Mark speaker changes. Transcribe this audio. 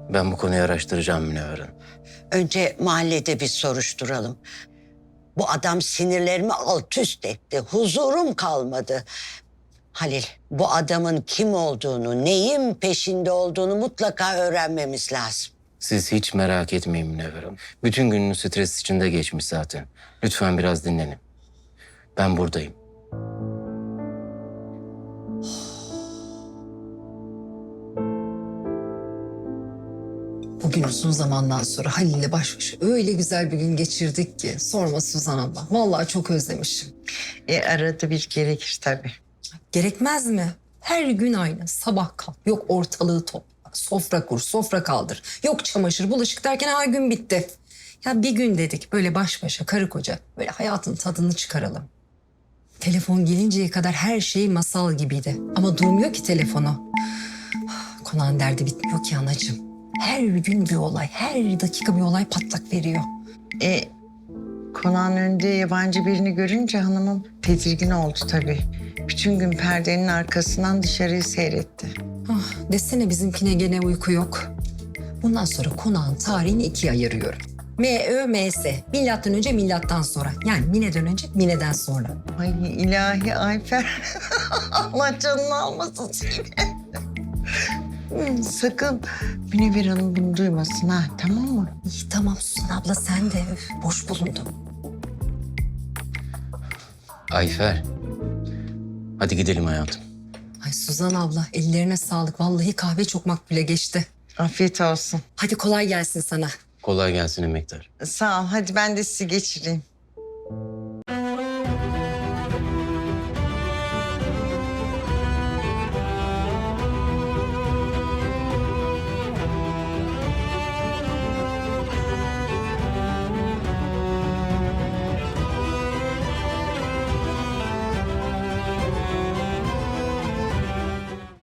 Speaker 1: Ben bu konuyu araştıracağım Münevver Hanım.
Speaker 2: Önce mahallede bir soruşturalım. Bu adam sinirlerimi alt üst etti. Huzurum kalmadı. Halil, bu adamın kim olduğunu, neyin peşinde olduğunu mutlaka öğrenmemiz lazım.
Speaker 1: Siz hiç merak etmeyin Münevver Hanım. Bütün gününüz stres içinde geçmiş zaten. Lütfen biraz dinlenin. Ben buradayım.
Speaker 3: Bugün uzun zamandan sonra Halil'le baş başa öyle güzel bir gün geçirdik ki sorma Suzan abla. Vallahi çok özlemişim.
Speaker 4: Arada bir gerekir tabii.
Speaker 3: Gerekmez mi? Her gün aynı. Sabah kalk. Yok ortalığı topla. Sofra kur, sofra kaldır. Yok çamaşır, bulaşık derken her gün bitti. Ya bir gün dedik böyle baş başa karı koca böyle hayatın tadını çıkaralım. Telefon gelinceye kadar her şey masal gibiydi. Ama durmuyor ki telefonu. Konağın derdi bitmiyor ki anacığım. Her gün bir olay, her dakika bir olay patlak veriyor.
Speaker 4: Konağın önünde yabancı birini görünce hanımım tedirgin oldu tabii. Bütün gün perdenin arkasından dışarıyı seyretti.
Speaker 3: Ah, desene bizimkine gene uyku yok. Bundan sonra konağın tarihini ikiye ayırıyorum. M-Ö-M-S. Milattan önce, milattan sonra. Yani Mine'den önce, Mine'den sonra.
Speaker 4: Ay ilahi Ayfer. Allah canını almasın seni. Sakın Münevver Hanım bunu duymasın ha, tamam mı?
Speaker 3: İyi tamam Suzan abla sen de. Öf, boş bulundum.
Speaker 1: Ayfer. Hadi gidelim hayatım.
Speaker 3: Ay Suzan abla ellerine sağlık. Vallahi kahve çok makbule geçti.
Speaker 4: Afiyet olsun.
Speaker 3: Hadi kolay gelsin sana.
Speaker 1: Kolay gelsin emektar.
Speaker 4: Sağ ol, hadi ben de sizi geçireyim.